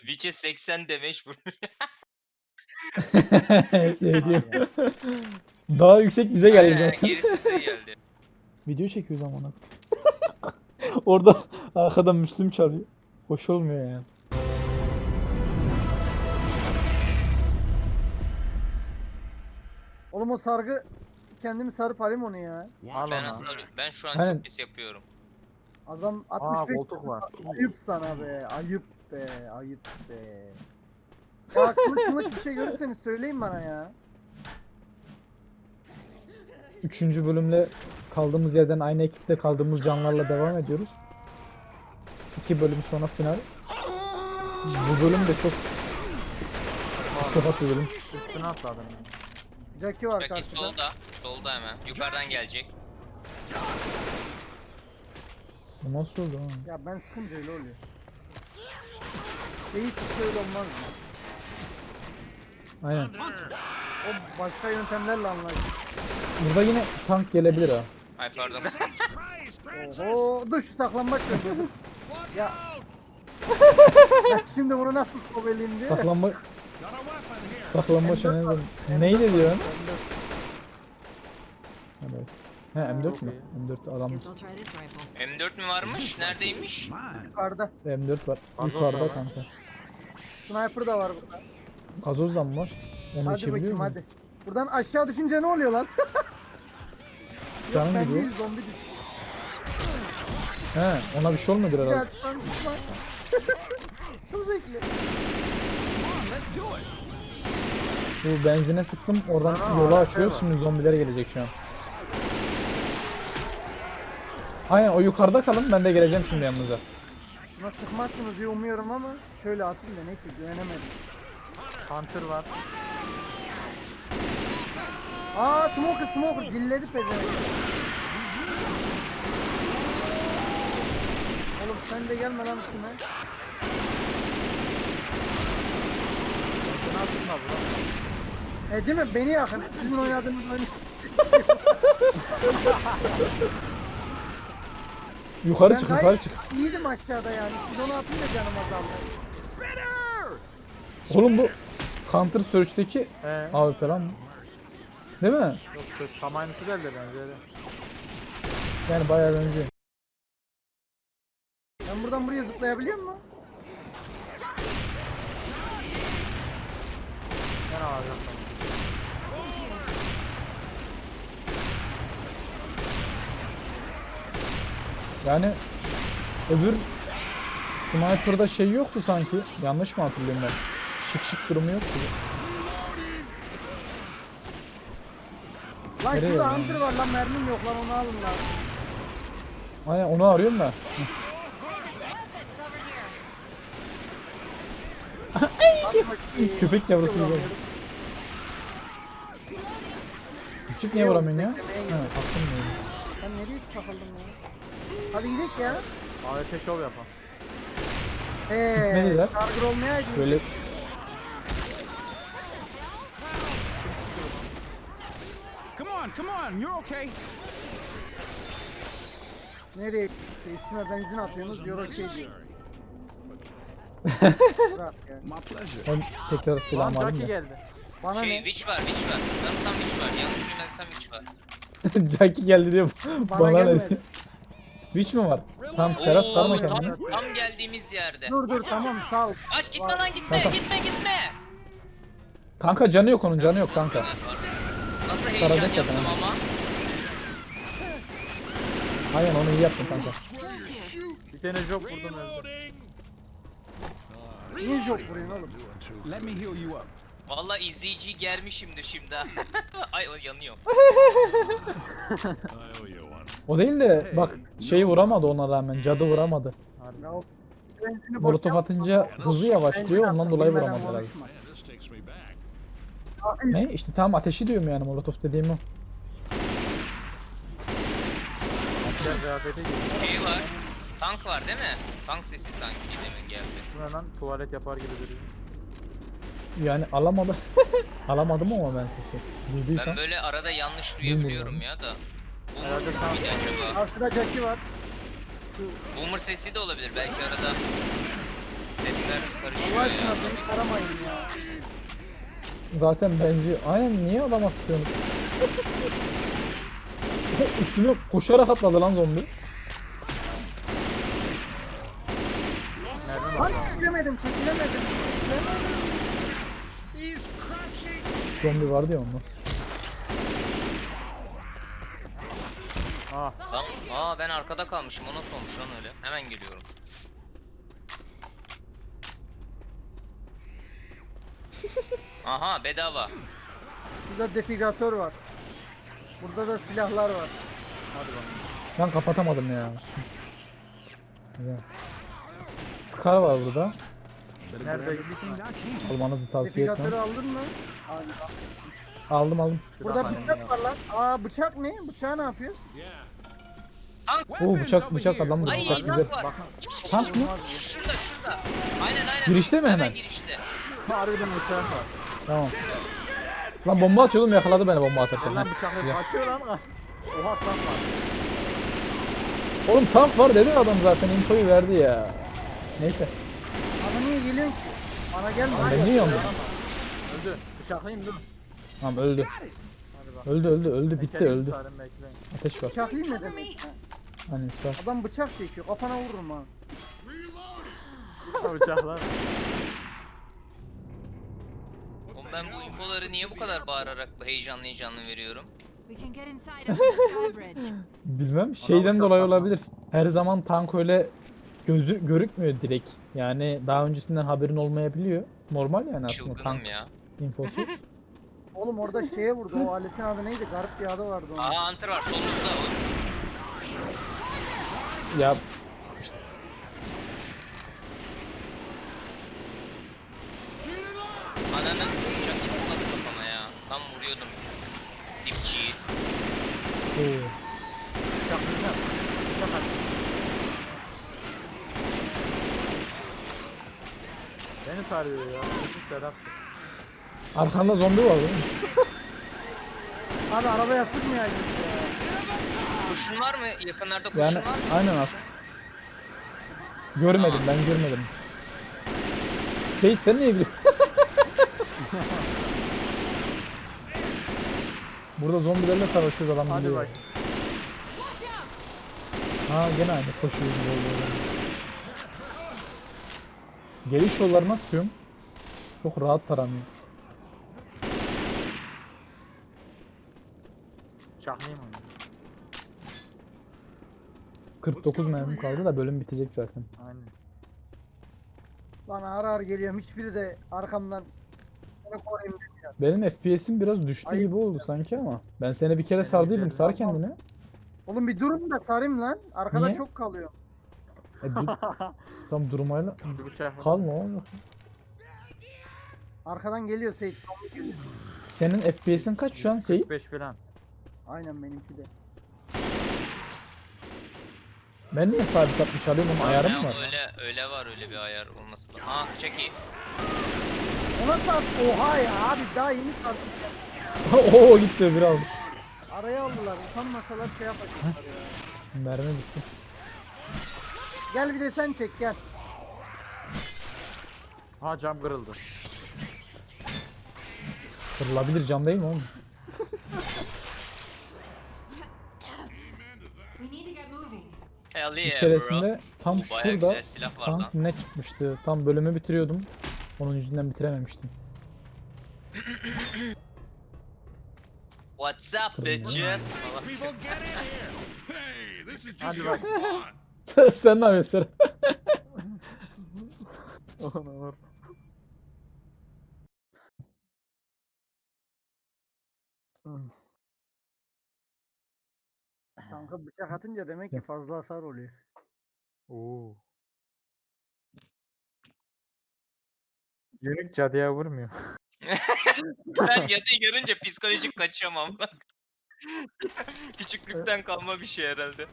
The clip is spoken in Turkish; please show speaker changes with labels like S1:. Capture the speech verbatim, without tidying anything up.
S1: Witch'e seksen demeç vurmuş.
S2: Sevdiğim. Daha yüksek bize geliyor
S1: Aynen,
S2: zaten.
S1: gerisi size geldi.
S2: Video çekiyoruz ama ona. Orada arkadan Müslüm çalıyor. Hoş olmuyor yani.
S3: Oğlum o sargı kendimi sarıp alayım onu ya.
S4: Al
S1: Ben
S4: onu.
S1: aslında ben şu an
S2: Aynen.
S1: çok pis yapıyorum.
S3: Adam
S4: Aa
S3: altmış beş
S4: koltuk var.
S3: ayıp sana be. Ayıp be. Ayıp be. Ya kılıç mılıç bir şey görürseniz söyleyin bana ya.
S2: Üçüncü bölümle kaldığımız yerden aynı ekipte kaldığımız canlarla devam ediyoruz. İki bölüm sonra final. Bu bölüm de çok psikopat bir bölüm.
S4: Üstüne atladım.
S3: Jackie var
S1: Belki
S3: karşıda.
S1: solda. Solda hemen. Yukarıdan gelecek.
S2: Bu nasıl oldu ha?
S3: Ya ben sıkınca öyle oluyor. Hiç öyle olmaz mı?
S2: Aynen.
S3: O başka yöntemlerle anlaşılır.
S2: Burada yine tank gelebilir ha.
S1: Ay pardon.
S3: Oho dur şu saklanmaç yapıyordum. Ya. Ya şimdi bunu nasıl koveleyim diye.
S2: Saklanma... Saklanma çenesi. Neydi diyor? Evet. He M dört mü? M dört adam.
S5: Guess I'll try this rifle.
S1: M dört mü varmış? Neredeymiş?
S3: Yukarıda.
S2: M dört var.
S4: Gazoz
S2: Yukarıda
S4: da var.
S2: kanka.
S3: Sniper da var burada.
S2: Gazoz da mı var? Onu
S3: Hadi
S2: içebiliyor
S3: bakayım
S2: muyum?
S3: hadi. Buradan aşağı düşünce ne oluyor lan?
S2: Canım
S3: Ben
S2: gidiyor.
S3: değil zombi düştü.
S2: He, ona bir şey olmuyordur
S3: Ya
S2: herhalde.
S3: şu an düşman. Çok zevkli.
S2: Bu benzine sıktım, oradan
S4: Aa,
S2: yolu
S4: arkaya
S2: açıyoruz.
S4: bak.
S2: Şimdi zombiler gelecek şu an. Aynen o yukarıda kalın, ben de geleceğim şimdi yanınıza.
S3: Buna sıkmazsınız diye umuyorum ama şöyle atayım da neyse güvenemedim.
S4: Hunter var.
S3: Aa smoker smoker dilledi pezevenk. Oğlum sen de gelme lan üstüme.
S4: Üstüne atılma bro.
S3: E değil mi? Beni yakın. Sizin oynadığınız oyunu.
S2: Yukarı
S3: Ben
S2: çık,
S3: gayet
S2: yukarı çık.
S3: İyiydim aşağıda yani. Siz onu atınca canım azaldı.
S2: Oğlum bu Counter Search'teki
S4: Ee,
S2: A W P lan. Değil mi?
S4: yok kötü. Tam aynısı geldi bence de.
S2: Yani bayağı benziyor.
S3: Ben buradan buraya zıplayabiliyor muyum?
S4: Ben alacağım sana.
S2: Yani öbür Sniper'da şey yoktu sanki. Yanlış mı hatırlıyorum ben? Şık şık durumu yoktu.
S3: Lan
S2: Nereye
S3: şurada
S2: yani?
S3: hunter var lan mermim yok lan onu alın lan.
S2: Aynen onu arıyorum ben. Köpek yavrusu gibi. Küçük niye vuramıyorsun ya? Ha, attım ya.
S3: Sen nereye takıldın ya? Hadi gidelim ya.
S4: A W P şov yapalım.
S3: Eee
S2: Gitmeliler.
S3: charger olmayaydı.
S2: Böyle
S6: Come on, come on, you're okay.
S3: Nereye gitti? Üstüme benzin atıyorsunuz diyor okey diyor. Bırak ya.
S6: My pleasure.
S2: ben tekrar
S4: Lan
S2: silahımı
S4: Jackie
S2: alayım da.
S4: geldi.
S3: Bana
S1: Şey
S3: ne?
S1: Witch var, Witch var. Sanırsam Witch var. Yanlış bilmezsem Witch var.
S2: Jackie geldi diyor.
S3: Bana
S2: Bana ne?
S3: gelmedi.
S2: Witch mi var? Tamam Serhat
S1: Oo,
S2: sarma
S1: tam,
S2: kendini.
S1: tam geldiğimiz yerde.
S3: Dur dur tamam sağ ol.
S1: Aç gitme lan gitme,
S2: Tamam.
S1: gitme gitme.
S2: Kanka canı yok onun canı yok kanka.
S1: Nasıl heyecan
S2: Saracak
S1: yaptım
S2: zaten.
S1: ama.
S2: Aynen onu iyi yaptın kanka.
S4: Bir tane job vurdum öldü.
S3: Niye job vuruyorsun oğlum?
S6: Let me heal you up.
S1: Vallahi izleyiciyi germişimdir şimdi ha. Ay o yanıyor.
S6: I owe you one.
S2: O değil de bak şeyi vuramadı ona rağmen. Cadı vuramadı.
S3: Ya o benzini boş
S2: Molotof
S3: yap.
S2: atınca hızı yavaşlıyor ondan dolayı
S3: Bilmeden
S2: vuramadı herhalde.
S3: konuşma.
S6: Man, this takes me back.
S2: Ne? İşte tam ateşi diyorum yani molotof dediğim o.
S4: Asker kıyafeti giydi.
S1: Şey var. Tank var değil mi? Tank sesi sanki demin geldi.
S4: Bu ne lan? Tuvalet yapar gibi duruyor.
S2: Yani alamadı. Alamadım ama ben sesi. Duyduysam.
S1: Ben böyle arada yanlış duyabiliyorum ya da. Boomer
S4: Herhalde
S1: sesi
S4: tam-
S1: miydi acaba?
S3: Karşıda Jackie var.
S1: Boomer sesi de olabilir belki arada. Ses renkler karışıyor
S3: Allah
S1: ya.
S3: aşkına beni taramayın ya.
S2: Zaten benziyor. Aynen niye adama sıkıyorsun? Üstüne koşarak atladı lan zombi.
S4: Mermi
S3: Lan
S4: var.
S3: çekilemedim çekilemedim. Çekilemedim.
S2: Zombi vardı ya onda.
S4: Ah.
S1: Lan, aa ben arkada kalmışım. O nasıl olmuş lan öyle? Hemen geliyorum. Aha bedava.
S3: Burada defigatör var. Burada da silahlar var.
S4: Hadi bakalım.
S2: Ben kapatamadım ya. Güzel. Scar var burada.
S4: Nerede?
S2: Almanızı tavsiye
S3: Defigatörü
S2: etmem.
S3: aldın mı? Aldım.
S2: Aldım aldım.
S3: Burada
S4: Silah
S3: bıçak var lan. Aa bıçak ne? Bıçağı ne yapıyor?
S2: Oo bıçak bıçak adam burada.
S1: Ay
S2: Bıçak güzel.
S1: tank var.
S2: Tank mı?
S1: Şu- Şurada şurada. Aynen aynen.
S2: Girişte mi hemen?
S1: girişte.
S4: Harbiden bıçağım var.
S2: Tamam. Lan bomba atıyordum yakaladı beni bomba atarken.
S4: Lan
S2: Heh,
S4: bıçakla
S2: güzel.
S4: açıyor lan. Oha tam var.
S2: Oğlum tank var dedi adam zaten infoyu verdi ya. Neyse.
S3: Bana niye geliyorsun ki? Bana gelme.
S2: Lan ben niye yandım?
S4: Öldü. Bıçaklayayım dur.
S2: Tamam öldü.
S4: Hadi bak.
S2: Öldü öldü öldü bitti
S4: Tekerimi
S2: öldü.
S4: tutarım, bekleyin.
S2: Ateş var.
S3: Bıçaklayayım ne demek? Ha.
S2: Hani üstad.
S3: Adam bıçak çekiyor. Kafana vururum ha.
S4: Bıçaklar.
S1: Oğlum ben bu infoları niye bu kadar bağırarak heyecanlı heyecanlı veriyorum?
S5: We can get inside of the sky bridge.
S2: Bilmem şeyden
S4: uçak
S2: dolayı
S4: patladı.
S2: olabilir. Her zaman tank öyle gözü görükmüyor direkt. Yani daha öncesinden haberin olmayabiliyor. Normal yani aslında
S1: Çılgınım
S2: tank
S1: ya.
S2: infosu.
S3: Oğlum orada şeye vurdu. O aletin adı neydi? Garip bir adı vardı onun.
S1: Aa Hunter var solumuzda.
S2: Ya
S1: Ananın uçak zıpladı kafama ya. Tam vuruyordum. Dipçiyi.
S2: oo.
S4: Bıçaklayacağım. Bıçak at. Beni sarıyor ya. Bütün Serap.
S2: Arkanda zombi var değil mi?
S3: Abi arabaya sıkmayaydın ya.
S1: Kurşun var mı? Yakınlarda kurşun
S2: Yani
S1: var mı?
S2: aynen aslında. Görmedim ben görmedim. Seyit sen niye biliyorsun? Burada zombilerle savaşıyoruz adam
S4: Hadi
S2: biliyor.
S4: bak.
S2: Ha gene aynı koşuyoruz böyle. Geliş yollarına sıkıyorum. Çok rahat taranıyor.
S4: Bıçaklayayım onu.
S2: kırk dokuz mermim kaldı da bölüm bitecek zaten.
S4: Aynen.
S3: Lan ağır ağır geliyorum. Hiçbiri de arkamdan seni koruyayım demiyor.
S2: Benim F P S'im biraz düştü
S3: Ayıp
S2: gibi oldu sanki ama. Ben seni bir kere
S4: Benim
S2: sardıydım.
S4: güzelim.
S2: Sar kendini.
S3: Oğlum bir durun da sarayım lan. Arkada
S2: Niye?
S3: çok kalıyor.
S2: E, dur, tam durmayla.
S4: Bir bıçak.
S2: Kalma oğlum.
S3: Arkadan geliyor Seyit. zombi geliyor.
S2: Senin F P S'in kaç şu an Seyit?
S4: beş falan.
S3: Aynen benimki de.
S2: Ben niye sabit atmış alıyorum ama ayarım
S1: Ya
S2: mı var?
S1: öyle öyle var öyle bir ayar olması lazım. Aa çeki.
S3: Ona sat. Oha ya abi daha yeni sardım.
S2: Oo gitti biraz.
S3: Araya aldılar. Utanmasalar şey yapacaklar ya.
S2: Mermi bitti.
S3: Gel bir de sen çek gel.
S4: Ha cam kırıldı.
S2: Kırılabilir cam değil mi oğlum?
S5: We need to get moving.
S1: Hell
S2: Bir
S1: yeah
S2: keresinde
S1: bro.
S2: tam
S1: Oo, bayağı
S2: şurada
S1: güzel silah var lan.
S2: tank ne çıkmıştı? Tam bölümü bitiriyordum. Onun yüzünden bitirememiştim.
S1: What's up
S2: Kırıldı.
S1: bitches? Falan.
S6: People get in here. Hey, this is just
S4: Hadi
S6: your
S4: bak.
S6: fun.
S2: Sen ne yapıyorsun Serhat?
S4: Olur.
S3: Kanka bıçak atınca demek ki fazla hasar oluyor.
S4: Oo. Yönük cadıya vurmuyor.
S1: Ben yatıyı görünce psikolojik kaçıyorum ama. Küçüklükten kalma bir şey herhalde.